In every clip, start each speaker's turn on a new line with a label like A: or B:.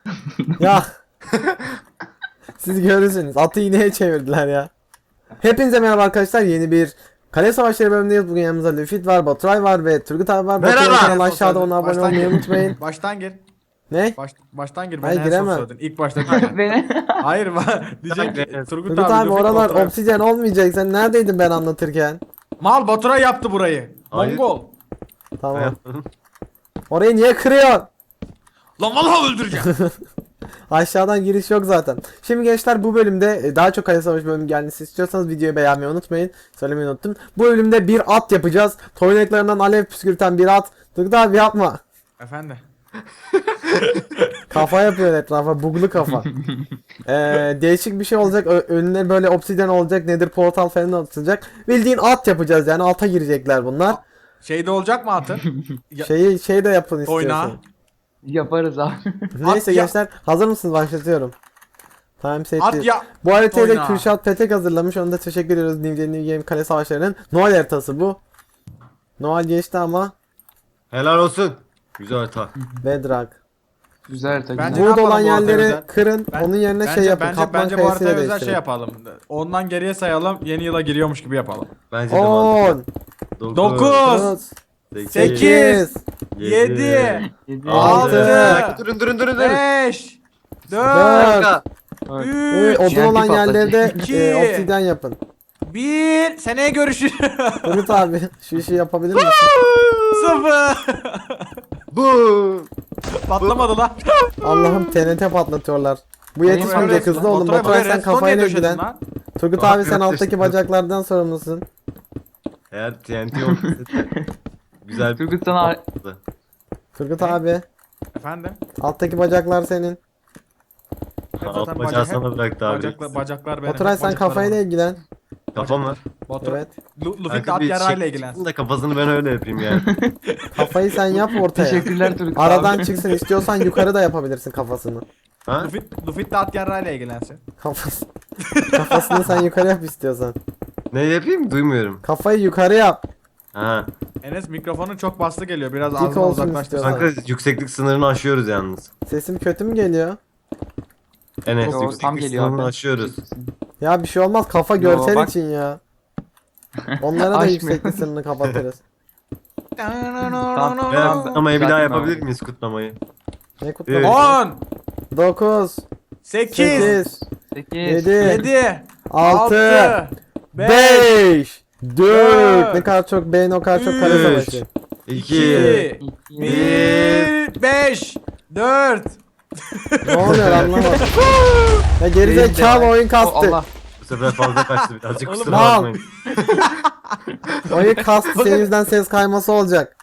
A: Ya siz görürsünüz. Atı iğneye çevirdiler ya. Hepinize merhaba arkadaşlar. Yeni bir Kale Savaşları bölümündeyiz. Bugün yanımızda Lüfit var, Baturay var ve Turgut abi var.
B: Merhaba.
A: Baturay kanalına aşağıda ona abone
C: Baştan
A: olmayı
C: gir.
A: unutmayın.
C: Baştan gir.
A: Ne?
C: Baştan gir.
A: Hayır,
C: Ben en son
A: giremem.
C: söyledin. İlk başta diyeceksin.
D: Beni.
C: Hayır diyecek ki Turgut
A: Turgut
C: abi,
A: abi
C: Lüfit,
A: oralar
C: Baturay.
A: obsidyen olmayacak. Sen neredeydin ben anlatırken?
C: Mal Baturay yaptı burayı.
B: Hayır.
C: Mongol.
A: Tamam. Orayı niye kırıyorsun?
C: Lan vallahi öldüreceğim.
A: Aşağıdan giriş yok zaten. Şimdi gençler bu bölümde daha çok Kale Savaşı bölümü gelmesi istiyorsanız videoyu beğenmeyi unutmayın. Söylemeyi unuttum. Bu bölümde bir at yapacağız. Toynaklarından alev püskürten bir at. Turgut abi yapma.
C: Efendi.
A: Kafa yapıyor etrafa. Buglu kafa. Değişik bir şey olacak. Önüne böyle obsidyen olacak. Nedir portal falan atılacak. Bildiğin at yapacağız yani. Alta girecekler bunlar.
C: Şeyde olacak mı atın? Ya-
A: Şey de yapın
C: Oyna.
A: istiyorsan.
D: Yaparız abi.
A: Neyse
C: At ya-
A: gençler hazır mısınız? Başlatıyorum. Time set.
C: At ya.
A: Bu haritayı da
C: Oyna.
A: Kürşat Petek hazırlamış. Ona da teşekkür ediyoruz. New Game Kale Savaşları'nın Noel haritası bu. Noel geçti ama
B: Helal olsun. Güzel harita.
A: Bedrock.
D: Güzel tabii.
C: Bence-
A: Wood
C: yapalım
A: olan
C: bu haritaya
A: yerleri
C: özel?
A: kırın.
C: Ben-
A: Onun yerine
C: Bence,
A: şey yapın.
C: bence,
A: Kaplan
C: bence bu
A: kayasıyla
C: haritaya özel şey
A: değiştirin.
C: yapalım. Ondan geriye sayalım. Yeni yıla giriyormuş gibi yapalım.
B: Bence de mantıklı.
A: 10
C: 9
A: 9
C: 8
A: 8
C: 7
D: Yedi.
C: 6
B: Durun durun durun durun.
C: 5 4
B: Dakika.
C: 3
A: Odun olan
D: patlayacak.
A: yerlerde
C: İki.
A: obsidyen yapın.
C: 1 seneye görüşürüz.
A: Turgut abi şu işi yapabilir misin?
C: 0
B: Bu.
C: patlamadı lan.
A: Allah'ım TNT patlatıyorlar. Bu yetişmeyecek hızlı olun.
C: Baturay,
A: Baturay
C: buraya
A: sen
C: redstone
A: kafayla
C: niye döşedin
A: ilgilen.
C: lan?
A: Turgut
B: Aa,
A: abi sen
B: evet,
A: alttaki
B: işte.
A: bacaklardan sorumlusun.
B: Eğer TNT olmasaydı güzel bir
D: Turgut sana
B: olurdu.
A: Turgut abi
C: Efendim?
A: alttaki bacaklar senin.
B: Alt bacağı sana bıraktı abi.
C: Bacaklar benim.
A: Baturay sen kafayla ilgilen.
B: Kafam var.
C: Baturay.
A: Evet.
C: Luffy
B: Kanka
C: at
B: bir
C: yarayla
B: şey
C: ilgilensin.
B: çıksın da kafasını ben öyle yapayım yani.
A: Kafayı sen yap ortaya.
D: teşekkürler Turgut
A: Aradan
D: abi.
A: çıksın istiyorsan yukarı da yapabilirsin kafasını.
B: Ha?
C: Luffy de at yarayla ilgilensin.
A: Kafası. Kafasını sen yukarı yap istiyorsan.
B: Ne yapayım? Duymuyorum.
A: Kafayı yukarı yap.
B: Ha.
C: Enes mikrofonun çok bastı geliyor. Biraz
A: Dik
C: ağzına
A: olsun
C: uzaklaştır.
A: istiyorsan.
B: Kanka yükseklik sınırını aşıyoruz yalnız.
A: Sesim kötü mü geliyor?
B: Enes
D: Yo, tam
B: yükseklik
D: geliyor
B: sınırını
D: abi.
B: aşıyoruz.
A: Ya bir şey olmaz kafa
D: Yo,
A: görsel
D: bak.
A: için ya. Onlara da
D: Aşmıyor.
A: yükseklik sınırını kapatırız.
B: Veya kutlamayı bir daha
D: Düzeltme
B: yapabilir
D: abi.
B: miyiz kutlamayı?
A: Ne kutlaması?
C: 10
A: 9
C: 8
A: 8
D: 8.
A: 7
C: 7
A: 6
C: 6 5
A: 5 4
C: Dört,
A: Ne kadar çok beyin o kadar çok kale
B: üç,
A: savaşı.
B: 2
C: 2 1 5 4
A: Ne oluyor anlamadım. Ya gerizekalı oyun kastı.
D: Allah.
B: Bu sefer fazla kaçtı birazcık
C: Oğlum,
B: kusura
A: mal.
B: bakmayın.
A: Oyun kastı senin yüzünden ses kayması olacak.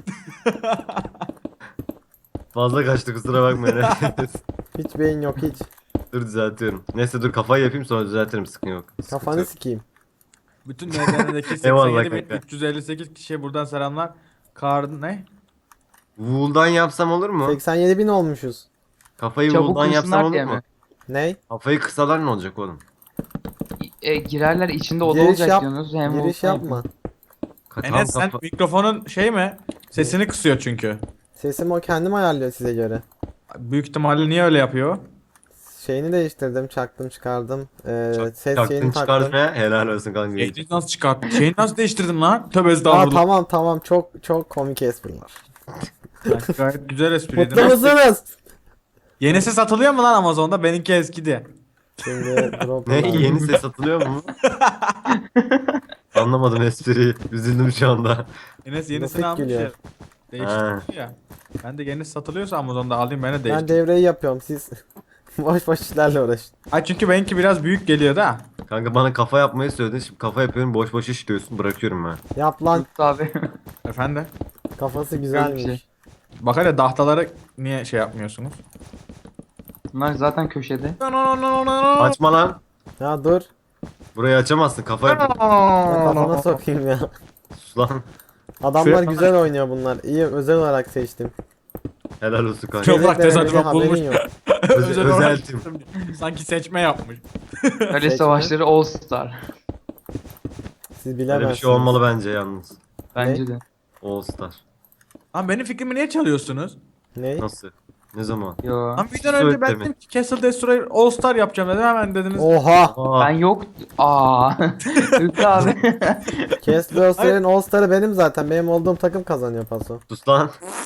B: Fazla kaçtı kusura bakmayın.
A: Hiç beyin yok hiç.
B: Dur düzeltiyorum. Neyse dur kafayı yapayım sonra düzeltirim sıkın yok.
A: Kafanı sikeyim.
C: Bütün NDN'deki
B: Eyvallah
C: 87.358 kişiye buradan selamlar. Kar ne?
B: Wool'dan yapsam olur mu?
A: 87.000 olmuşuz.
B: Kafayı
D: Çabuk
B: Wool'dan yapsam
D: kırsınlar
B: olur
D: diye
B: mu?
D: mi?
A: Ney?
B: Kafayı kısalar ne olacak oğlum?
D: Girerler içinde oda
A: Giriş
D: olacak
A: yap.
D: diyorsunuz. Hem
A: Giriş
D: olsa
A: yapma.
B: Tam
C: Enes sen
B: kafa...
C: mikrofonun şey mi? Sesini kısıyor çünkü.
A: Sesim o kendim ayarlıyor size göre.
C: Büyük ihtimalle niye öyle yapıyor?
A: Şeyini değiştirdim, çaktım, çıkardım. Ses
B: Çaktın
A: şeyini taktım.
B: çıkartmaya helal olsun kanka.
C: Şeyini nasıl çıkarttın? Şeyini nasıl değiştirdin lan? Tövbe
A: Aa
C: estağfurullah.
A: tamam çok komik espriler.
C: Gayet güzel espriydi.
A: Mutlu musunuz?
C: Yenisi satılıyor mu lan Amazon'da? Benimki eskidi.
A: Şimdi drop
B: Ne
A: alalım.
B: yeni ses satılıyor mu? Anlamadım espriyi. Üzüldüm şu anda.
C: Enes yenisini
A: Nefret
C: almış
A: gülüyor.
C: ya. Değiştirmiş ya. Ben de yenisi satılıyorsa Amazon'da alayım ben de
A: Ben
C: değiştireyim.
A: devreyi yapıyorum siz boş boş işlerle uğraşın.
C: Ay çünkü benimki biraz büyük geliyor da.
B: Kanka bana kafa yapmayı söyledin. Şimdi kafa yapıyorum boş boş iş diyorsun bırakıyorum ben.
A: Yap lan,
D: Turgut abi.
C: Efendim?
A: kafası
D: Yok bir
A: güzelmiş.
D: şey.
C: Bak hele dahtaları niye şey yapmıyorsunuz?
D: Bunlar zaten köşede.
B: Açma lan.
A: Ya dur,
B: Burayı açamazsın kafa yap.
A: ben kafana sokayım ya.
B: Sus lan.
A: Adamlar
C: Şuraya-
A: güzel oynuyor bunlar. İyi, özel olarak seçtim.
B: Helal olsun kanka.
C: Çok- Toprak
A: Yedek
C: tesadüfen
A: vermediği haberin
C: bulmuş.
A: yok.
C: Özel olarak
B: özeltim.
C: sanki seçme yapmış.
D: Kale
A: Seçme.
D: savaşları All Star.
A: Siz
B: Böyle
A: bilemezsiniz.
B: bir şey olmalı bence yalnız.
D: Bence de.
B: All Star.
C: Lan benim fikrimi niye çalıyorsunuz?
A: Ne?
B: Nasıl? Ne zaman?
D: Yo.
C: Lan videodan önce ben
B: Söyle
C: dedim ki Castle Destroyer All Star yapacağım dedim, hemen dediniz.
A: Oha.
B: Aa,
D: Ben yok. Aa. Ülke abi.
A: Castle'ın All Star'ı benim zaten. Benim olduğum takım kazanıyor paso.
B: sus lan.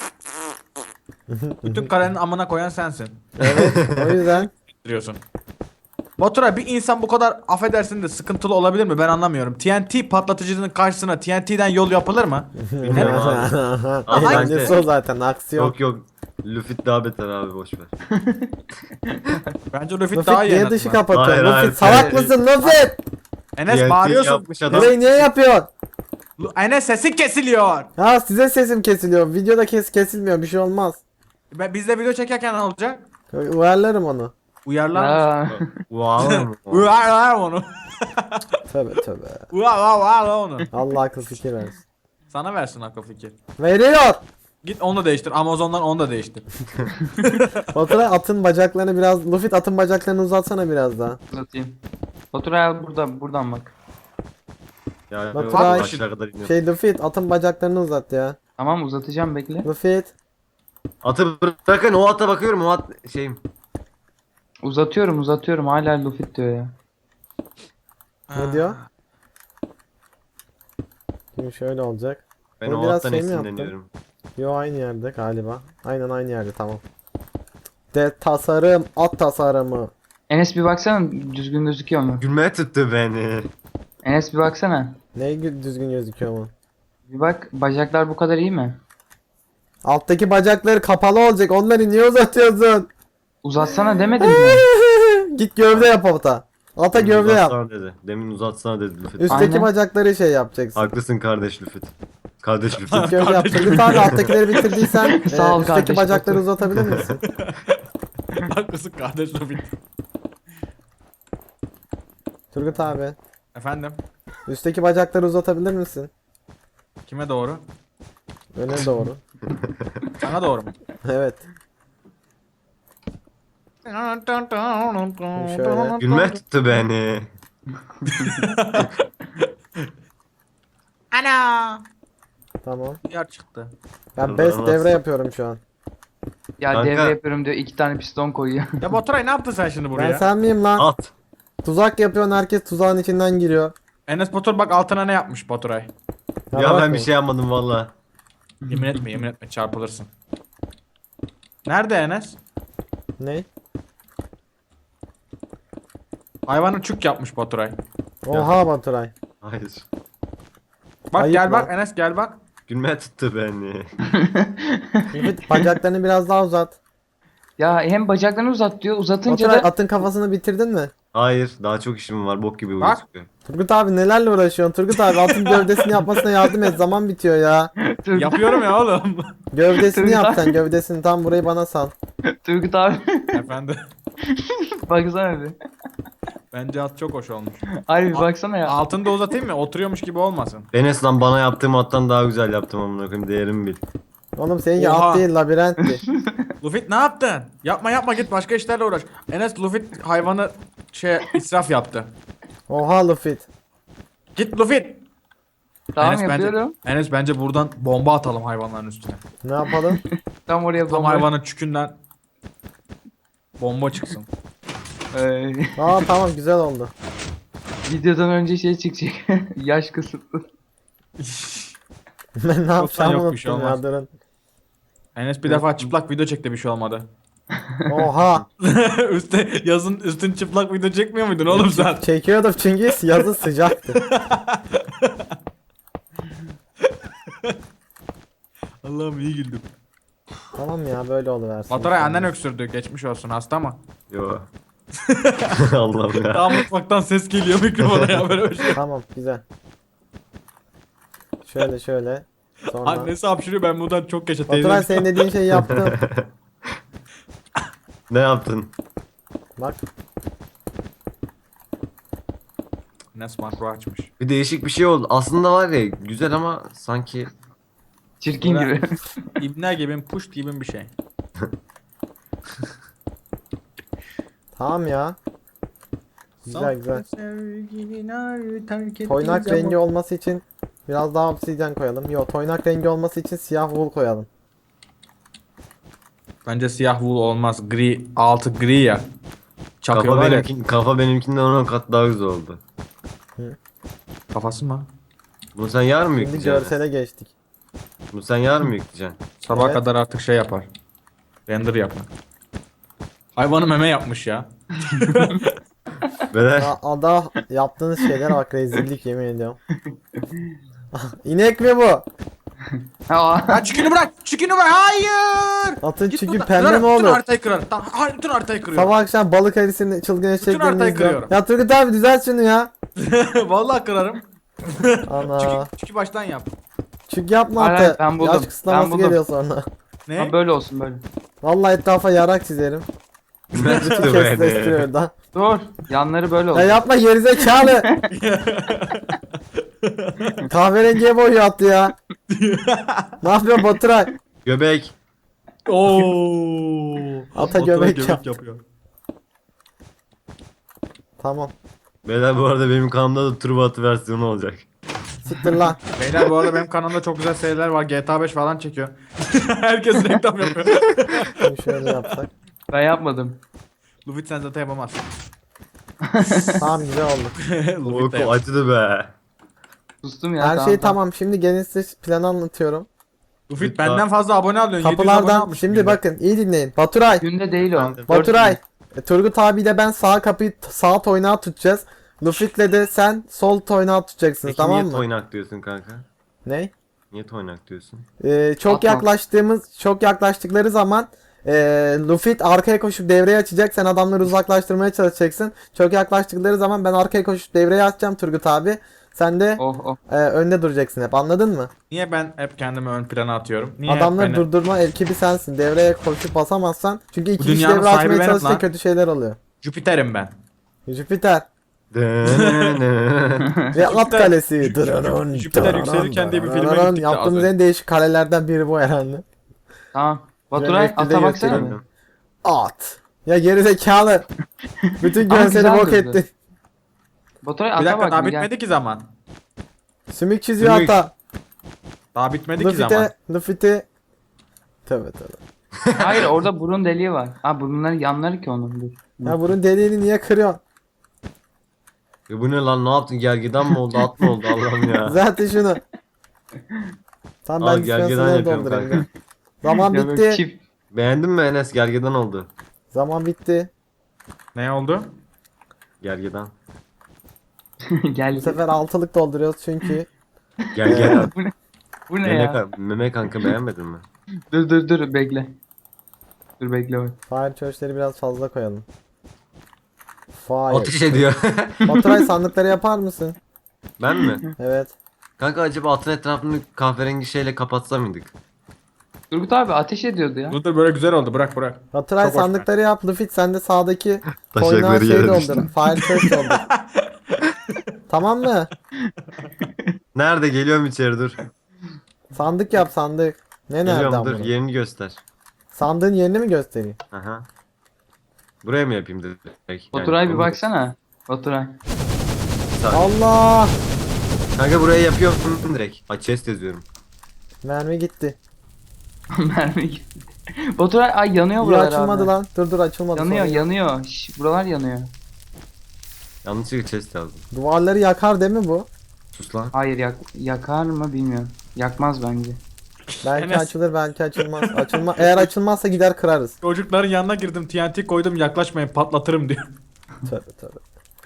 C: Bütün kalenin amına koyan sensin.
A: O yüzden
C: Diyorsun. Baturay, bir insan bu kadar affedersin de sıkıntılı olabilir mi? Ben anlamıyorum. TNT patlatıcının karşısına TNT'den yol yapılır mı?
B: Bilmiyorum abi.
A: eğlencesi o zaten aksiyon.
B: Yok yok. Luffy daha beter abi, boş ver.
C: Bence Luffy
A: Luffy
C: daha iyi en
A: niye dışı
C: azından.
A: kapatıyor?
B: Hayır, hayır.
A: Luffy salak mısın Luffy?
C: Enes
B: TNT
C: bağırıyorsun.
B: yapmış adam.
A: Burayı niye yapıyorsun?
C: Enes sesin kesiliyor.
A: Ha size sesim kesiliyor. Videoda kesilmiyor. Bir şey olmaz.
C: Biz de video çekerken ne olacak?
A: Uyarlarım onu.
C: Uyarlar.
D: Ya.
B: Wow.
C: Uyarlar onu.
A: Tövbe tövbe.
C: Uyarlar onu.
A: Allah akıl fikir versin.
C: Sana versin akıl fikir.
A: Veriyor.
C: Git onu da değiştir. Amazon'dan onu da değiştir.
A: Baturay atın bacaklarını biraz... Luffy atın bacaklarını uzatsana biraz daha.
D: Uzatayım. Baturay abi buradan bak.
B: Ya
A: Baturay,
B: aşağı kadar iniyor.
A: Şey Luffy atın bacaklarını uzat ya.
D: Tamam uzatacağım bekle.
A: Luffy.
B: Atı bırakın, o ata bakıyorum, o at şeyim.
D: Uzatıyorum hala Luffy diyor ya.
A: Ne diyor? Şimdi şöyle olacak.
B: Ben
A: Bunu
B: o
A: biraz
B: attan
A: şey mi yaptın?
B: esinleniyorum.
A: Yo aynı yerde galiba. Aynen aynı yerde tamam. Tasarım at tasarımı.
D: Enes bir baksana düzgün gözüküyor mu?
B: Gülmeye tuttu beni.
D: Enes bir baksana.
A: Düzgün gözüküyor mu?
D: Bir bak bacaklar bu kadar iyi mi?
A: Alttaki bacakları kapalı olacak. Onları niye uzatıyorsun?
D: Uzatsana demedim mi?
A: Git gövde yap ata. Ata
B: Demin
A: gövde yap.
B: uzatsana dedi. Demin uzatsana dedi Luffy.
A: Üstteki
D: Aynen.
A: bacakları şey yapacaksın.
B: Haklısın kardeş Luffy. Kardeş Luffy.
A: Gövde yap. Turgut abi alttakileri bitirdiysen
D: Sağ ol
A: üstteki
D: kardeş,
A: bacakları
D: otur.
A: uzatabilir misin?
C: Haklısın kardeş Luffy.
A: Turgut abi.
C: Efendim?
A: Üstteki bacakları uzatabilir misin?
C: Kime doğru?
A: Öne doğru.
C: Sana doğru mu?
A: Evet. Şöyle.
B: Gülmeye tuttu beni.
C: Ana!
A: Tamam.
C: Yer çıktı.
A: Ben best
B: Nasıl?
A: devre yapıyorum şu an.
D: Ya
B: Kanka.
D: devre yapıyorum diyor 2 tane piston koyuyor.
C: Ya Baturay, ne yaptın sen şimdi buraya?
A: Ben sen miyim lan?
B: At.
A: Tuzak yapıyorsun, herkes tuzağın içinden giriyor.
C: Enes Batur bak altına ne yapmış Baturay.
B: Ya
A: bak
B: ben bir
A: bu.
B: şey yapmadım valla.
C: Yemin etme çarpılırsın. Nerede Enes?
A: Ne?
C: Hayvanı çük yapmış Baturay.
A: Oha Baturay.
B: Hayır.
C: Bak
A: Ayıp
C: gel
A: lan.
C: bak Enes, gel bak.
B: Gülmeye tuttu beni.
A: Lütfen bacaklarını biraz daha uzat.
D: Ya hem bacaklarını uzat diyor uzatınca
A: Baturay
D: da
A: atın kafasını bitirdin mi?
B: Hayır, daha çok işim var, bok gibi
C: Bak.
B: gözüküyor.
A: Turgut abi nelerle uğraşıyorsun? Turgut abi atın gövdesini yapmasına yardım et. Zaman bitiyor ya.
C: Yapıyorum ya oğlum.
A: Gövdesini
D: Turgut
A: yap
D: abi.
A: sen gövdesini. Tam burayı bana sal.
D: Turgut abi
C: Efendim.
D: baksana bir.
C: Bence at çok hoş olmuş.
D: Harbi bir baksana ya.
C: Altını da uzatayım mı? Oturuyormuş gibi olmasın.
B: Enes lan, bana yaptığım attan daha güzel yaptım amına koyayım, değerimi bil.
A: Oğlum seninki
C: Oha.
A: at değil labirentti.
C: Luffy ne yaptın? Yapma git başka işlerle uğraş. Enes Luffy hayvanı israf yaptı.
A: Oha Luffy.
C: Git Luffy.
D: Tamam
C: Enes
D: yapıyorum.
C: Bence bence buradan bomba atalım hayvanların üstüne.
A: Ne yapalım?
D: Tam oraya
C: Tam
D: bomba.
C: hayvanın çükünden bomba çıksın.
A: Aa tamam güzel oldu.
D: Videodan önce şey çıkacak. Yaş kısıtlı.
A: Ben ne yapacağımı
C: yok, bir şey
A: unuttum ya
C: olmaz.
A: durun.
C: Enes bir defa çıplak video çekti, bir şey olmadı.
A: Oha.
C: Yazın üstün çıplak video çekmiyor muydun oğlum sen?
A: Çekiyordum çünkü yazı sıcaktı.
C: Allah'ım iyi güldüm.
A: Tamam ya böyle oluversin.
C: Baturay annen öksürdü, geçmiş olsun, hasta mı?
B: Yo. Allah'ım ya.
C: Daha mutfaktan ses geliyor mikrofona ya, böyle bir şey.
A: Tamam güzel. Şöyle. Sonra.
C: Annesi hapşırıyor, ben buradan çok geçe
A: Baturay
C: teyzem.
A: senin dediğin şeyi yaptım.
B: Ne yaptın?
A: Bak.
C: Enes makro açmış.
B: Bir değişik bir şey oldu. Aslında var ya, güzel ama sanki
D: Çirkin
C: Böyle-
D: gibi.
C: İbne gibi, puşt gibi bir şey.
A: Tamam ya. Güzel. Toynak
C: Toynak
A: rengi olması için biraz daha obsidyen koyalım. Yo toynak rengi olması için siyah wool koyalım.
C: Bence siyah wool olmaz. Gri, altı gri ya.
B: Kafa,
C: Çakıyorlar ya.
B: kafa benimkinden 10 kat daha güzel oldu.
C: Kafası mı?
B: Bunu sen yarın mı
A: Şimdi
B: yükleyeceksin?
A: görsele geçtik.
B: Bunu sen yarın mı yükleyeceksin?
C: Sabaha
A: Evet.
C: kadar artık şey yapar. Render yapar. Hayvanı meme yapmış ya.
B: Beyler.
A: Ya ada yaptığınız şeylere bak, rezillik yemin ediyorum. İnek mi bu?
D: Aa,
C: Ya çükünü bırak! Çükünü bırak! Hayır!
A: Atın
C: Git
A: çünkü
C: buradan.
A: pembe
C: Kırarım,
A: mi
C: bütün
A: olur?
C: haritayı kırarım. Tamam, bütün haritayı kırıyorum.
A: Sabah akşam balık erisini çılgın eşeklerini
C: haritayı
A: izliyorum.
C: kırıyorum.
A: Ya Turgut abi düzelt şunu ya.
C: Vallahi kırarım.
A: Ana.
C: Çükü baştan yap.
A: Çünkü yapma
D: Hayır,
A: atı.
D: ben buldum.
A: Yaş kısıtlaması
D: Ben buldum.
A: geliyor sonra.
C: Ne?
D: ha, böyle olsun böyle.
A: Vallahi etrafa yarak çizerim. Bütün
B: Nasıl
A: kestireştiriyor
B: beni?
A: oradan.
D: Dur. Yanları böyle
A: Ya
D: olsun.
A: yapma gerizekalı. Kahverengiye boyuyor attı ya. Ne yapıyor Baturay?
B: Göbek.
C: Oo.
A: Ata göbek yap.
C: yapıyor.
A: Tamam.
B: Beyler bu arada benim kanalımda da turbo atı versiyonu olacak.
A: Siktir lan.
C: Beyler bu arada benim kanalımda çok güzel seriler var. GTA 5 falan çekiyor. Herkes reklam yapıyor.
A: Şimdi şöyle yapsak.
D: Ben yapmadım.
C: Lufit sen zaten yapamazsın.
A: Tamam güzel oldu.
C: Lufit de
B: O
C: yap.
B: acıdı be.
D: Sustum ya.
A: Her şey tamam. Şimdi gelin size planı anlatıyorum.
C: Lufit benden fazla abone alıyorsun. 700 abone
A: Kapılardan
C: almış
A: şimdi
C: günde.
A: bakın iyi dinleyin. Baturay.
D: Günde değil o.
B: Ben de-
A: Baturay. Turgut abiyle ben sağ kapıyı sağ toynağı tutacağız. Lufit'le de sen sol toynağı tutacaksınız,
B: Peki
A: tamam
B: niye
A: mı?
B: toynak diyorsun kanka?
A: Ne?
B: Niye toynak diyorsun?
A: Çok
D: Atma.
A: çok yaklaştıkları zaman Luffy arkaya koşup devreyi açacak. Sen adamları uzaklaştırmaya çalışacaksın. Çok yaklaştıkları zaman ben arkaya koşup devreyi açacağım Turgut abi. Sen de
D: Oh oh.
A: önde duracaksın hep. Anladın mı?
C: Niye ben hep kendimi ön plana atıyorum? Niye
A: Adamları
C: hep beni...
A: durdurma ekibi sensin. Devreye koşup basamazsan. Çünkü iki kişi
C: dünyanın
A: devre
C: sahibi
A: açmaya
C: benim
A: çalışınca
C: lan.
A: kötü şeyler oluyor.
C: Jüpiter'im ben.
A: Jüpiter
B: Dönene.
A: ve at kalesi.
C: Jüpiter yükselirken diye bir filme gittik de az
A: Yaptığımız
C: önce.
A: en değişik kalelerden biri bu herhalde.
D: Tamam. Baturay
A: Yönetmeni
D: ata baksana
A: gösterelim.
D: bir.
A: At. Ya gerizekalı. Bütün
D: Ama
A: görseli
D: güzel
A: bok
D: durdu.
A: ettin.
D: Baturay
C: Bir
D: ata
C: dakika
D: bak
C: daha
D: bir gel.
C: bitmedi ki zaman.
A: Sümük çiziyor
B: Sümük.
A: ata.
C: Daha bitmedi ki zaman.
A: Luffy'te. Tövbe tövbe.
D: Hayır orada burun deliği var. Ha burunların yanları ki onun. Dur.
A: Ya bunun deliğini niye kırıyorsun?
B: Ya bu ne lan, ne yaptın, gergedan mı oldu, at mı oldu Allah'ım ya.
A: Zaten şunu. Tamam
B: Al,
A: ben
B: gergedan
A: dispenser'ları
B: yapıyorum
A: doldurayım.
B: kanka.
A: ya. Zaman
D: Ya böyle
A: bitti.
D: çift.
B: Beğendin mi Enes, gergedan oldu.
A: Zaman bitti.
C: Ne oldu?
B: Gergedan.
D: Gel.
A: Bu sefer altılık dolduruyoruz çünkü.
B: Gergedan.
D: Bu ne? Bu ne
B: Meme,
D: ya?
B: meme kanka, beğenmedin mi?
D: Dur bekle. Dur bekle bak.
A: Fire church'leri biraz fazla koyalım.
B: Ateş
A: Fire.
B: ediyor.
A: Baturay sandıkları yapar mısın?
B: Ben mi?
A: Evet.
B: Kanka acaba atın etrafını kahverengi şeyle kapatsa mıydık?
D: Turgut abi ateş ediyordu ya.
C: Dur böyle güzel oldu, bırak.
A: Baturay
C: Çok hoş
A: sandıkları yap. Luffy sen de sağdaki
B: Taşakları
A: koynağı şey
B: yere
A: doldur.
B: düştü.
A: Fire church doldur. Tamam mı?
B: Nerede, geliyorum içeri, dur.
A: Sandık yap sandık. Ne nereden
B: Geliyorum, dur,
A: bunu?
B: yerini göster.
A: Sandığın yerini mi göstereyim?
B: Aha. Buraya mı yapayım direkt? Yani
D: Baturay bir
B: onu-
D: baksana. Baturay.
A: Allah!
B: Kanka buraya yapıyorum direkt. Ay, chest yazıyorum.
A: Mermi gitti.
D: Mermi gitti. Baturay ay yanıyor
A: İyi
D: buralar
A: açılmadı
D: abi.
A: lan. Dur açılmadı.
D: Yanıyor
A: sonra.
D: yanıyor. Şş, buralar yanıyor.
B: Yanlışlıkla chest yazdım.
A: Duvarları yakar değil mi bu?
B: Sus lan.
D: Hayır yakar mı bilmiyorum. Yakmaz bence.
A: Belki
C: Enes.
A: açılır belki açılmaz. Eğer açılmazsa gider kırarız.
C: Çocukların yanına girdim, TNT koydum, yaklaşmayın patlatırım diyor.
A: Tövbe tövbe.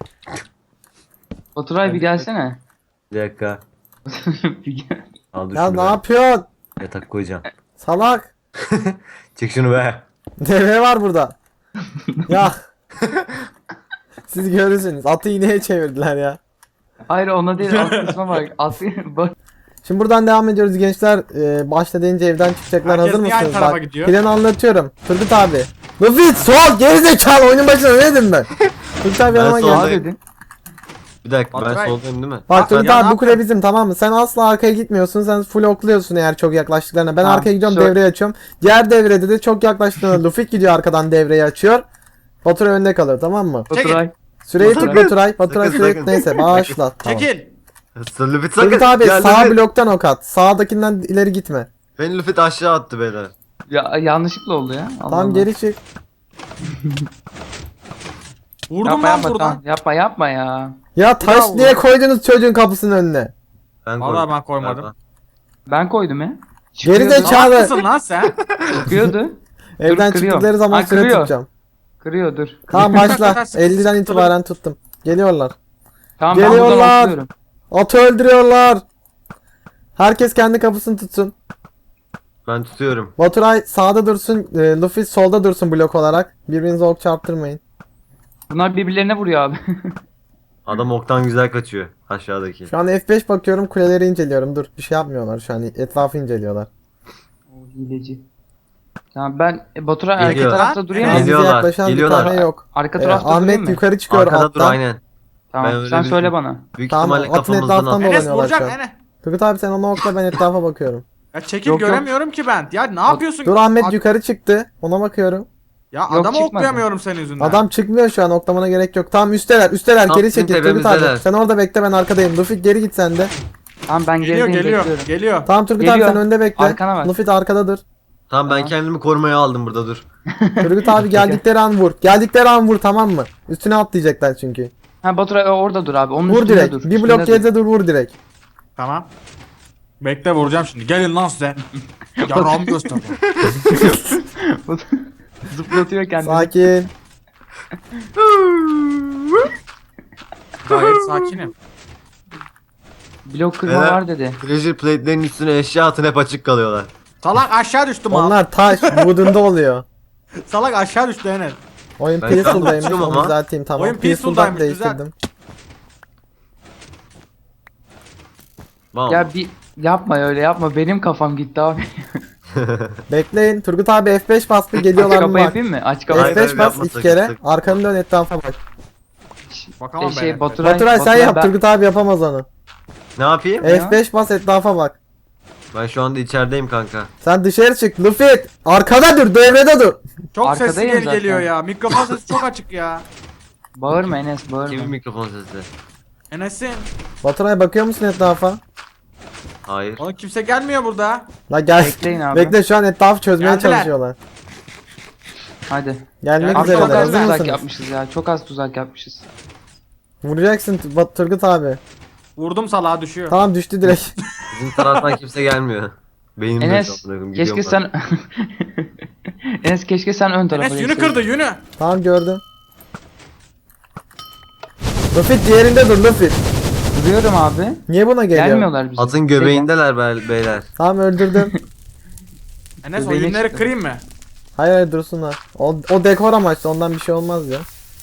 D: Baturay bir gelsene.
B: Bir dakika.
D: Bir gel.
B: Al dur
A: Ya
B: şunu
A: ne
B: be.
A: yapıyorsun?
B: Yatak koyacağım.
A: Salak.
B: Çek şunu be.
A: Deve var burada. Ya. Siz görürsünüz. Atı ineğe çevirdiler ya.
D: Hayır ona değil alt kısma bak. Bak.
A: Şimdi buradan devam ediyoruz gençler. Başta deyince evden çıkacaklar.
C: Herkes
A: Hazır
C: niye aynı
A: mısınız?
C: tarafa
A: Bak,
C: gidiyor?
A: planı anlatıyorum. Turgut abi. Luffy sol gerizekalı oyunun başına ne dedim ben? Turgut abi
B: Ben
A: yanıma
B: sol-
A: gel.
D: Sağ dedin.
B: Bir dakika, ben
C: Baturay.
B: soldayım değil mi?
A: Bak Turgut
C: ya
A: abi
C: ne
A: bu kule bizim, tamam mı? Sen asla arkaya gitmiyorsun. Sen full okluyorsun eğer çok yaklaştıklarına. Ben
D: Tamam,
A: arkaya gidiyorum,
D: şöyle-
A: devreyi açıyorum. Diğer devrede de çok yaklaştıklarına Luffy gidiyor arkadan devreyi açıyor. Baturay önde kalıyor, tamam mı?
D: Baturay.
A: Süreyi tut
B: Sakın.
A: Baturay. Baturay
B: Sakın,
A: süreyi
B: sakın.
A: neyse başla. Tamam.
C: Çekil.
B: Lüfit sakın.
A: Turgut abi
B: Gel,
A: sağ
B: Lüfit.
A: bloktan ok at. Sağdakinden ileri gitme.
B: Beni Lüfit aşağı attı beyler.
D: Ya yanlışlıkla oldu ya. Allah
A: Tamam
D: Allah.
A: geri çık.
C: Vurdum
D: Yapma
C: lan
D: yapma
C: buradan.
D: tamam. Yapma ya.
A: Ya taş
C: Bravo.
A: niye koydunuz çocuğun kapısının önüne?
B: Ben
C: Vallahi
B: koydum.
C: ben koymadım.
B: Galiba.
D: Ben koydum ya.
A: Geri
D: Çıkıyordu.
A: zekalı.
C: Haklısın lan sen.
D: Çıkıyordu.
A: Evden
D: kırıyorum.
A: çıktıkları zaman
D: Ha,
A: süre
D: kırıyor.
A: tutacağım.
D: Kırıyor dur.
A: Tamam başla.
C: Sıkı
A: 50'den
C: sıkı
A: itibaren tuttum. Geliyorlar.
D: Tamam ben buradan
A: Geliyorlar.
D: atlıyorum.
A: Atı öldürüyorlar. Herkes kendi kapısını tutsun.
B: Ben tutuyorum.
A: Baturay sağda dursun. Luffy solda dursun blok olarak. Birbirinize ok çarptırmayın.
D: Bunlar birbirlerine vuruyor abi.
B: Adam oktan güzel kaçıyor aşağıdaki.
A: Şu an F5 bakıyorum, kuleleri inceliyorum. Dur, bir şey yapmıyorlar şu an. Etrafı inceliyorlar.
D: O hileci. Tamam ben Batur'a arka
B: Geliyor.
D: tarafta durayım mı?
A: Bize
B: Geliyorlar,
A: yaklaşan bir
B: geliyorlar.
A: tane yok.
D: Arka tarafta durayım
A: Ahmet
D: mı?
A: yukarı çıkıyor
B: Arkada dur
A: alttan.
B: aynen. Ben
D: Tamam
B: öyle
D: sen
B: bir-
D: söyle bana.
B: Büyük
A: Tamam,
B: ihtimalle
A: atın
B: kafamızdan
A: etrafından
B: at.
C: Enes
A: dolanıyorlar
C: vuracak
A: şu an.
C: Enes.
A: Turgut abi sen ona okla, ben etrafa bakıyorum.
C: Ya çekil
D: Yok, yok.
C: göremiyorum ki ben. Ya ne yapıyorsun?
A: Dur Ahmet
C: Ad-
A: yukarı çıktı. Ona bakıyorum.
C: Ya
D: Yok,
C: adamı
D: çıkmadı.
C: oklayamıyorum senin yüzünden.
A: Adam çıkmıyor şu an, oklamana gerek yok. Tamam üsteler
B: Tam
A: geri
B: bizim
A: çekil Turgut abi.
B: tepemizdeler.
A: Sen orada bekle, ben arkadayım. Luffy geri git sen de.
D: Tamam ben
C: geliyor
D: gerideyim
C: geliyor
D: bekliyorum.
C: geliyor.
A: Tamam Turgut
D: Geliyor.
A: abi sen önde bekle.
D: Arkana bak.
A: Luffy de arkada dur.
B: Tamam ben
D: Tamam.
B: kendimi korumaya aldım burada dur.
A: Turgut abi geldikleri an vur. Geldikleri an vur, tamam mı? Üstüne atlayacaklar çünkü.
D: Ha Batura orada dur abi. Onun
A: Vur
D: üstünde
A: direkt.
D: dur.
A: Bir
D: üstünde
A: blok
D: dur.
A: geride dur, vur direkt.
C: Tamam. Bekle vuracağım şimdi. Gelin lan size. Yaram göster.
D: Zıplatıyor kendini.
A: Sakin.
C: Gayet sakinim.
D: Blok kırma
B: Beyler.
D: var dedi.
B: Treasure plate'lerin üstüne eşya atın hep açık kalıyorlar.
C: Salak aşağı düştü mal.
A: Onlar taş. Wood'unda oluyor.
C: Salak aşağı düştü Enes.
A: Oyun
B: Ben şu an
A: Peaceful'daymış.
B: tutuyorum
A: Onu
B: ama.
A: düzelteyim, tamam.
C: Oyun
A: Peaceful'dan
C: Peaceful'daymış, güzel.
A: değiştirdim.
B: Tamam.
D: Ya bir yapma öyle yapma. Benim kafam gitti abi.
A: Bekleyin. Turgut abi F5 bas, bir
D: Aç
A: geliyorlar mı
D: kapa
A: bak.
D: yapayım mı? Aç kapa.
B: Hayır,
A: F5
B: hayır,
A: bas
B: yapma,
A: 2
B: sakın,
A: kere.
B: sakın.
A: Arkanı dön, etrafa bak.
C: Bakamam ben. Enes'e.
A: Baturay sen yap. Turgut abi yapamaz onu.
B: Ne yapayım?
A: F5 bas, etrafa bak.
B: Ben şu anda içerideyim kanka.
A: Sen dışarı çık. Luffy arkada dur. Devrede dur.
C: Çok
D: Arkadayım
C: sesli
D: zaten.
C: geliyor ya. Mikrofon sesi çok açık ya.
D: Bağırma Enes
B: Kimin
D: bağırma.
B: mikrofon sesi?
C: Enes'in.
A: Baturay bakıyor musun etrafa?
B: Hayır.
C: Oğlum kimse gelmiyor burada.
A: La gel.
D: Bekleyin abi.
A: Bekle, şu an etrafı çözmeye
C: Geldiler.
A: çalışıyorlar.
D: Hadi.
A: Gelmek
C: Abi
D: Abi çok
A: üzereler.
D: az
A: Hazır
D: tuzak
A: mısınız?
D: yapmışız ya. Çok az tuzak yapmışız.
A: Vuracaksın Turgut abi.
C: Vurdum salağa düşüyor.
A: Tamam düştü direkt.
B: Bizim taraftan kimse gelmiyor. Benim
D: Enes keşke sen Enes keşke sen ön tarafa
C: Enes yünü
D: geçseydin.
C: kırdı yünü.
A: Tamam gördüm. Luffy diğerinde dur Luffy.
D: Duruyorum abi.
A: Niye buna geliyor?
D: Gelmiyorlar bize.
B: Atın göbeğindeler beyler.
A: Tamam öldürdüm.
C: Enes o
D: Bebeğine
C: yünleri
D: çıktı.
C: kırayım mı?
A: Hayır hayır dursunlar. O dekor amaçlı, ondan bir şey olmaz ya.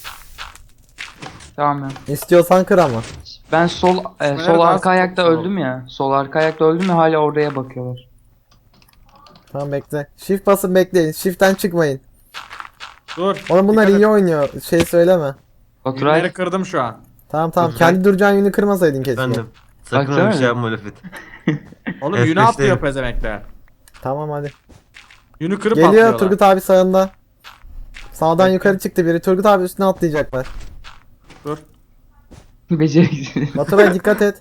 D: Tamam ya.
A: İstiyorsan kır ama.
D: Ben sol
C: daha
D: arka ayakta
C: sol.
D: öldüm ya. Sol arka ayakta öldüm ya hala oraya bakıyorlar.
A: Tamam bekle. Shift basın bekleyin. Shift'ten çıkmayın.
C: Dur.
A: Oğlum bunlar
C: Dikkat et.
A: iyi oynuyor. Şey söyleme.
D: Baturay
C: Yünleri kırdım şu an.
A: Tamam
B: Dur,
A: kendi duracağın yünü kırmasaydın keşke.
B: Efendim. Sakın
D: Baksana
B: öyle bir şey
D: bir.
B: yapma Lüfit.
C: Oğlum
B: F5'teyim.
C: yünü atlıyor pezemekler.
A: Tamam hadi.
C: Yünü kırıp
A: Geliyor
C: atlıyorlar.
A: Turgut abi sağında. Sağdan
C: Bekle.
A: yukarı çıktı biri. Turgut abi üstüne atlayacaklar.
C: Dur.
D: beceriksiz.
A: Baturay dikkat et.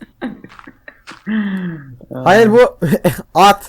A: Hayır bu at.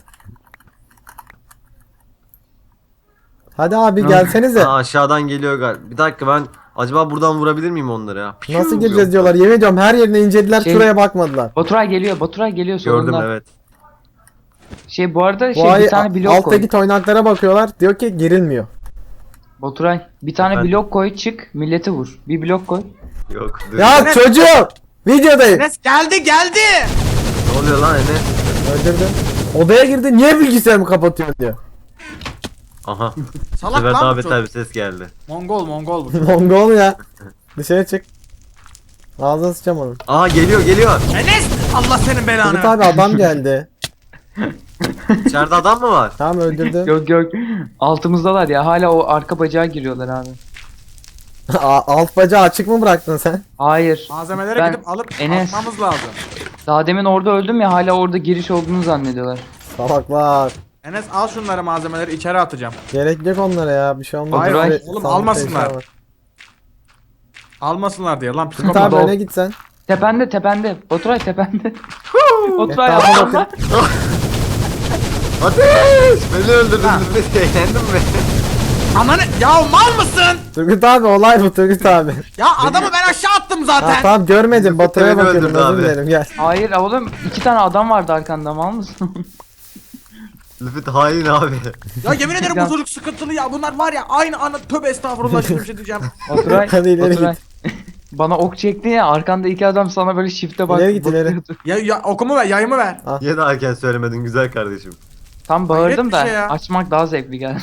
A: Hadi abi gelsenize.
B: Aa, aşağıdan geliyor galiba. Bir dakika ben acaba buradan vurabilir miyim onları ya?
A: Nasıl gireceğiz diyorlar. Yemin ediyorum her yerine incelediler,
D: Şey-
A: şuraya bakmadılar.
D: Baturay geliyor. Baturay geliyor
B: Gördüm
D: sonunda.
B: evet.
D: Şey bu arada
A: Bu ay
D: bir tane blok
A: alttaki
D: koy.
A: toynaklara bakıyorlar. Diyor ki girilmiyor.
D: Baturay bir tane
B: Efendim?
D: blok koy çık milleti vur. Bir blok koy.
B: Yok. Dur.
A: Ya
C: Enes-
A: çocuğum! Videodayım.
C: Enes geldi geldi.
B: Ne oluyor lan Enes?
A: Öldürdüm. Odaya girdi. Niye bilgisayarımı kapatıyorsun diyor.
B: Aha. Bu
C: Salak
B: sefer
C: lan
B: daha
C: bu
B: beter
C: çocuk.
B: bir ses geldi.
C: Mongol bu.
A: Mongol ya. Dışarı çık. Ağzına sıçacağım onun.
B: Aa geliyor.
C: Enes Allah senin
A: Turgut
C: belanı.
A: abi adam geldi.
B: İçeride adam mı var?
A: Tamam öldürdüm.
D: Yok yok. Altımızdalar ya. Hala o arka bacağa giriyorlar abi.
A: Alt bacağı açık mı bıraktın sen?
D: Hayır.
C: Malzemeleri
D: Ben-
C: gidip alıp
D: Enes.
C: atmamız lazım.
D: Daha demin orada öldüm ya hala orada giriş olduğunu zannediyorlar.
A: Salaklar.
C: Enes al şunları malzemeleri içeri atacağım.
A: Gerek yok onlara ya. Bir şey olmaz.
C: Hayır,
A: Şöyle
C: oğlum,
A: sandıkta
C: almasınlar.
A: eşya var.
C: Almasınlar diye lan
A: Turgut
C: psikopat.
A: abi öne git sen.
D: Tepende. Baturay tepende. Baturay
A: Etrafa
D: atla.
B: Ateş! Beni öldürdün
C: Ha.
B: Lüfit. Eğlendin mi?
C: Ananı ya mal mısın?
A: Turgut abi olay bu Turgut abi.
C: Ya adamı ben aşağı attım
A: Ha,
C: zaten.
A: tamam görmedim. Baturay'a
B: beni
A: bakıyordum
B: öldürdü
A: özür
B: abi.
A: dilerim gel.
D: Hayır oğlum 2 tane adam vardı arkanda mal mısın?
B: Lüfit hain abi.
C: Ya yemin ederim
D: Ya.
C: bu çocuk sıkıntılı ya. Bunlar var ya aynı ana tövbe estağfurullah şimdi bir şey diyeceğim.
D: Baturay,
A: Hadi ileri
D: Baturay. Bana ok çekti ya arkanda 2 adam sana böyle shift'e bak.
A: İleri git, ileri.
D: bakıyordu.
C: Ya okumu ver, yayımı ver.
B: Niye daha erken söylemedin güzel kardeşim?
D: Tam
C: Hayret
D: bağırdım
C: bir
D: da
C: şey ya.
D: açmak daha zevkli geldi.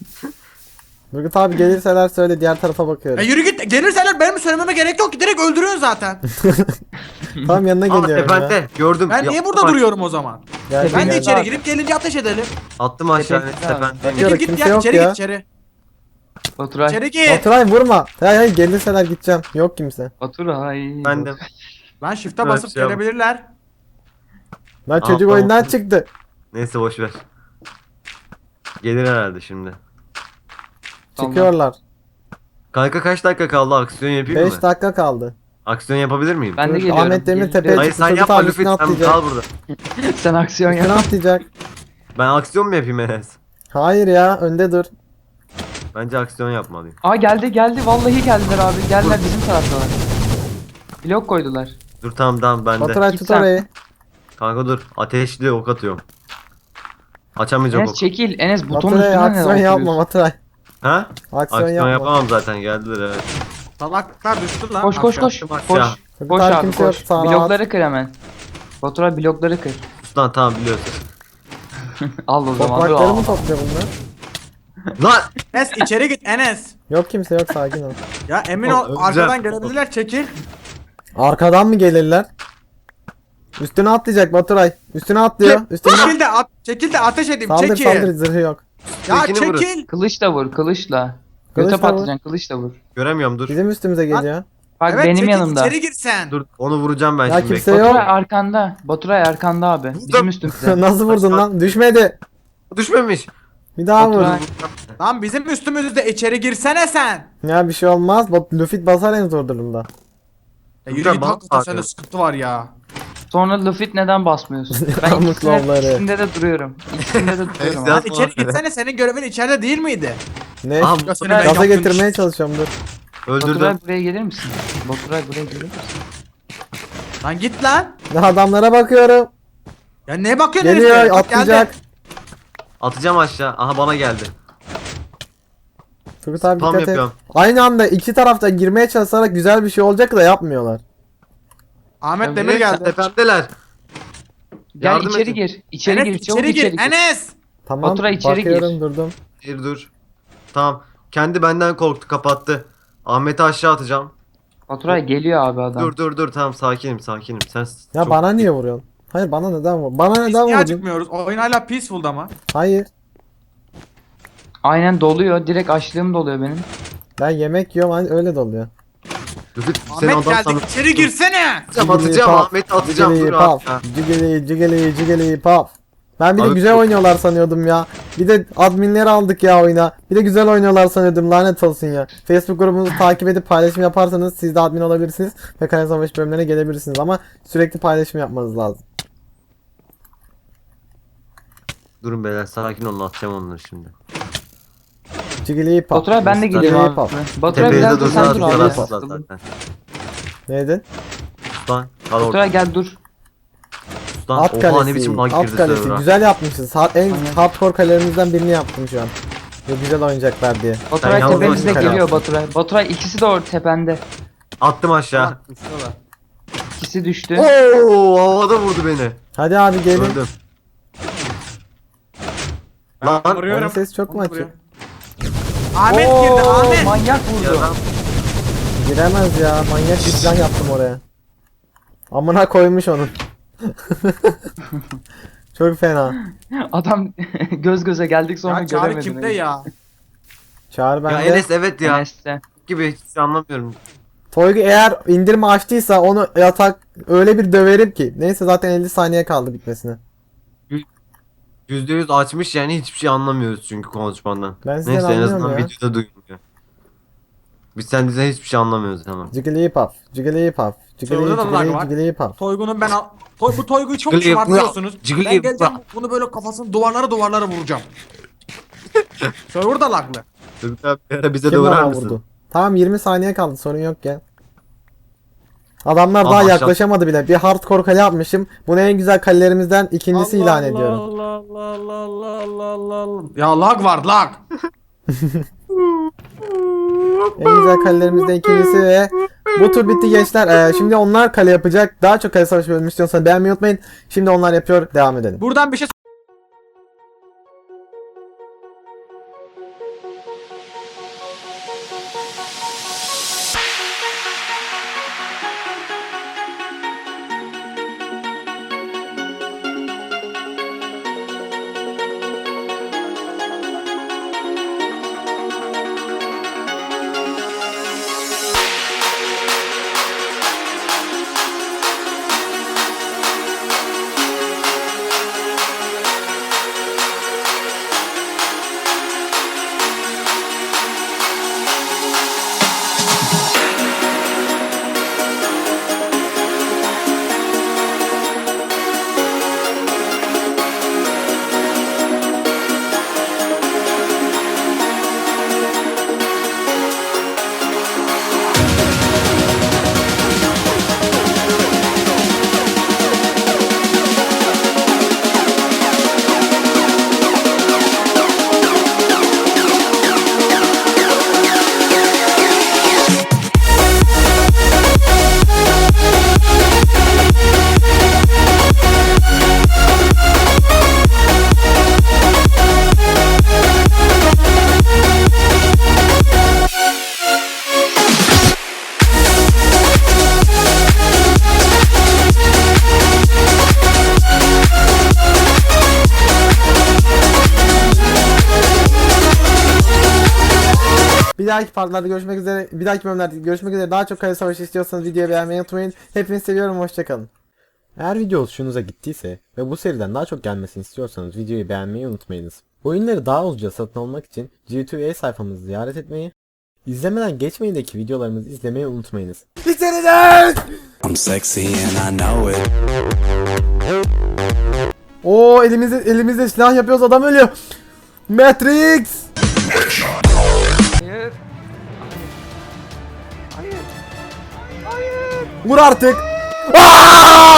A: Turgut abi gelirseler söyle diğer tarafa
C: Ya
A: bakıyorum.
C: yürü git. Gelirseler benim söylememe gerek yok ki direkt öldürüyorsun zaten.
A: Tamam yanına
B: Aa
A: geliyorum ya.
B: tepende gördüm.
C: Ben niye
B: Yaptım
C: burada
B: bak.
C: duruyorum o zaman?
A: Gel,
C: Ben de
A: gel.
C: içeri girip gelince ateş edelim.
B: Attım aşağı
D: Tepende abi.
B: tependeyim.
A: Yok,
C: Çekil git
A: kimse
C: ya
A: yok
C: içeri
A: ya.
C: git içeri.
D: Baturay,
C: İçeri git.
A: Baturay vurma. Hayır gelirseler gideceğim. Yok kimse.
D: Baturay.
B: Ben de.
C: Lan shift'e
B: Evet,
C: basıp
B: şey yap.
C: gelebilirler.
A: Lan çocuk
B: tamam.
A: oyundan çıktı.
B: Neyse boş ver. Gelir herhalde şimdi.
D: Tamam.
A: Çıkıyorlar.
B: Kanka kaç dakika kaldı aksiyon yapayım
A: 5
B: mı?
A: dakika kaldı.
B: Aksiyon yapabilir miyim?
D: Ben de
A: Dur,
D: geliyorum.
A: Ahmet Demir
D: Geliyorum.
A: tepeye
B: Hayır
A: çıktı.
B: sen
A: Turgut
B: yapma
A: abi
B: Lüfit
A: üstüne
B: sen
A: atlayacak.
B: kal burada.
D: Sen aksiyon
A: Üstüne
D: yap.
A: atlayacak.
B: Ben aksiyon mu yapayım Enes?
A: Hayır ya önde dur.
B: Bence aksiyon yapmalıyım.
D: Aa geldi vallahi geldiler abi. Geldiler bizim taraftalar. Blok koydular.
B: Dur tamam bende.
A: Baturay
D: Git
A: tut
D: sen.
A: orayı.
B: Kanka dur ateşli ok atıyorum. Açamayacak
D: Enes
B: ok.
D: çekil. Enes butonun
A: Baturay
D: üstünden
A: aksiyon
D: neden
A: yapma
D: oturuyorsun?
A: Baturay.
B: Ha?
A: Aksiyon
B: Aksiyon
A: yapma.
B: yapamam zaten geldiler evet.
C: Salaklar düştü lan.
D: Koş koş
C: aşağı.
D: koş.
B: Aşağı.
D: Koş.
A: Turgut
D: Koş
A: abi
D: abi
A: kimse yok,
D: koş.
A: sağ rahat.
D: Blokları kır hemen. Baturay blokları kır.
B: Ustan tamam biliyorsun.
D: Al o zaman. dur,
A: Toprakları
D: al.
A: mı topluyor bunlar?
B: Lan!
C: Enes içeri git Enes.
A: Yok kimse yok sakin ol.
C: Ya emin
B: Oğlum,
C: ol
B: öleceğim.
C: arkadan gelebilirler çekil.
A: Arkadan mı gelirler? Üstüne atlayacak Baturay. Üstüne atlıyor. Üstüne
C: Çekil de ateş edeyim
A: saldır
C: çekil.
A: saldır zırhı yok.
C: Ya
B: Tekini vurun.
C: çekil.
D: Kılıçla vur kılıçla.
A: Kılıçla
D: Göte
A: vur.
D: patlayacaksın kılıçla vur.
B: Göremiyorum dur.
A: Bizim üstümüze geliyor.
D: Bak
C: Evet
D: benim
C: çekil
D: yanımda.
C: içeri gir sen.
B: Dur onu vuracağım ben
A: Ya
B: şimdi.
A: kimse
B: bekle.
A: yok.
D: Baturay arkanda. Baturay arkanda abi. Bizim üstümüzde.
A: Nasıl vurdun
B: Aşağı-
A: lan? Düşmedi.
B: Düşmemiş.
A: Bir daha vur.
D: Baturay.
C: Lan bizim üstümüzde içeri girsene sen.
A: Ya bir şey olmaz. Luffy basar en zor durumda.
C: Ya yürü
B: Furkan,
C: git
B: bana
C: hakikaten
B: bak
C: sende
B: ya.
C: sıkıntı var ya.
D: Sonra Luffy neden basmıyorsun? Ben
A: Yalnız lavları.
D: ikisinde de duruyorum. İkisinde de duruyorum
B: Neyse,
D: abi.
C: Lan içeri gitsene senin görevin içeride değil miydi?
A: Ne?
B: Aha,
C: Ya seni
D: Baturay,
C: ben
A: Gaza
C: yaptım.
A: getirmeye çalışıyorum dur.
B: öldürdüm.
D: Baturay buraya gelir misin? Baturay buraya gelir misin?
C: Lan git lan.
A: Ya adamlara bakıyorum.
C: Ya ne bakıyorsun
A: Geliyor
C: heriflere? Bak
A: atlayacak.
C: geldi.
B: Atacağım aşağı. Aha bana geldi.
A: Turgut abi
B: Spam
A: dikkat et.
B: yapıyorum.
A: Aynı anda iki tarafta girmeye çalışarak güzel bir şey olacak da yapmıyorlar.
C: Ahmet Demir geldi.
B: Tepemdeler.
D: Gel
B: Yardım
D: içeri
B: edin.
D: gir. İçeri
C: Enes
D: gir. Çabuk
C: içeri gir.
D: içeri gir.
C: Enes.
A: Tamam
D: Baturay içeri gir.
A: bakıyorum durdum.
B: Dur. Tamam. Kendi benden korktu kapattı. Ahmet'i aşağı atacağım.
D: Baturay geliyor abi adam.
B: Dur tamam sakinim. Sen
A: Ya
B: çok-
A: bana niye vuruyorsun? Hayır bana neden vur? Bana
C: Biz
A: neden
C: niye
A: vurdun?
C: acıkmıyoruz? Oyun hala peaceful ama.
A: Hayır.
D: Aynen doluyor. Direkt açlığım doluyor benim.
A: Ben yemek yiyorum hani öyle doluyor.
B: Lütfü, seni
C: Ahmet
B: adam
C: geldi
B: sandım.
C: içeri girsene.
B: Atacağım Ahmet'i atacağım. Dur abi. Ha.
A: Cigili paf. Ben bir de
B: Abi-
A: güzel oynuyorlar sanıyordum ya. Bir de adminleri aldık ya oyuna. Bir de güzel oynuyorlar sanıyordum lanet olsun ya. Facebook grubumuzu takip edip paylaşım yaparsanız siz de admin olabilirsiniz. Ve Kaya Savaş bölümlerine gelebilirsiniz ama sürekli paylaşım yapmanız lazım.
B: Durun beyler sakin olun atacağım onları şimdi.
A: Cigili paf.
D: Baturay ben de geliyorum
A: Cigili
D: abi.
A: paf.
D: Baturay
B: Tepeye de
D: biraz da
B: dursa
D: sen dur abi.
B: atacaklar
D: ya.
B: zaten.
A: Neydin?
B: Lan kal orada.
D: Baturay gel dur.
B: Lan
A: At
B: oha
A: kalesi.
B: ne biçim lag
A: At
B: girdi
A: kalesi.
B: server'a.
A: Güzel yapmışız. En
D: Aynen.
A: hardcore kalelerimizden birini yaptım şu an. Ve güzel oynayacaklar diye.
D: Baturay
B: yalnız
D: tepemizde
A: başına
D: geliyor
A: kalsın.
D: Baturay. Baturay ikisi de orada tepende.
B: Attım aşağı.
D: İkisi düştü.
B: Oo havada vurdu beni.
A: Hadi abi gelin.
B: Öldüm.
C: Ben
B: Lan
C: vuruyorum.
A: Onun sesi çok mu
C: Onu
A: açık?
C: vuruyorum. Ahmet
D: Oo,
C: girdi Ahmet.
D: manyak vurdu.
B: ya,
A: Giremez ya. Manyak bir plan yaptım oraya. Amına koymuş onun. Çok fena.
D: Adam göz göze geldik sonra
C: Ya Çağrı
D: göremedim.
C: kimde ya?
A: Çağır
B: ya
A: bende.
B: Enes evet ya.
D: Enes'te.
B: Gibi hiç anlamıyorum.
A: Toygu eğer indirme açtıysa onu yatak öyle bir döverim ki. Neyse zaten 50 saniye kaldı bitmesine.
B: %100 açmış yani hiçbir şey anlamıyoruz çünkü konuşmandan.
A: Ben sizden
B: Neyse en
A: anlıyorum
B: azından
A: ya.
B: videoda duydum ya. Biz senden hiçbir şey anlamıyoruz hemen.
A: Jigglypuff, Jigglypuff,
C: Orada da lag var.
A: Jigglypuff.
C: Toygun'un ben bu Toygu'yu çok
B: Jiggly-
C: şımartıyorsunuz.
B: Jiggly-
C: Ben geleceğim bunu böyle kafasını duvarlara vuracağım. Server da laglı.
B: Turgut abi bir ara bize de
A: Kim
B: uğrar
A: bana
B: mısın?
A: vurdu? Tamam 20 saniye kaldı, sorun yok ya. Adamlar daha
B: Aha,
A: yaklaşamadı bile. Bir hardcore kale yapmışım. Bunu en güzel kalelerimizden ikincisi ilan ediyorum.
C: Allah. Ya lag var lag.
A: En güzel kalelerimizden ikincisi ve bu tur bitti gençler. Şimdi onlar kale yapacak. Daha çok kale savaşı bölümü istiyorsanız beğenmeyi unutmayın. Şimdi onlar yapıyor. Devam edelim.
C: Buradan bir şey
A: Bir dahaki partlarda görüşmek üzere. Bir dahaki bölümlerde görüşmek üzere. Daha çok kale savaşı istiyorsanız videoyu beğenmeyi unutmayın. Hepinizi seviyorum. Hoşçakalın. Eğer video hoşunuza gittiyse ve bu seriden daha çok gelmesini istiyorsanız videoyu beğenmeyi unutmayınız. Oyunları daha ucuza satın almak için G2A sayfamızı ziyaret etmeyi, izlemeden geçmeyindeki videolarımızı izlemeyi unutmayınız. Bitireceğiz!
E: I'm sexy and I know it.
A: Oo, elimizde silah yapıyoruz, adam ölüyor. Matrix!
D: Hayır.
A: Vur artık! Aa!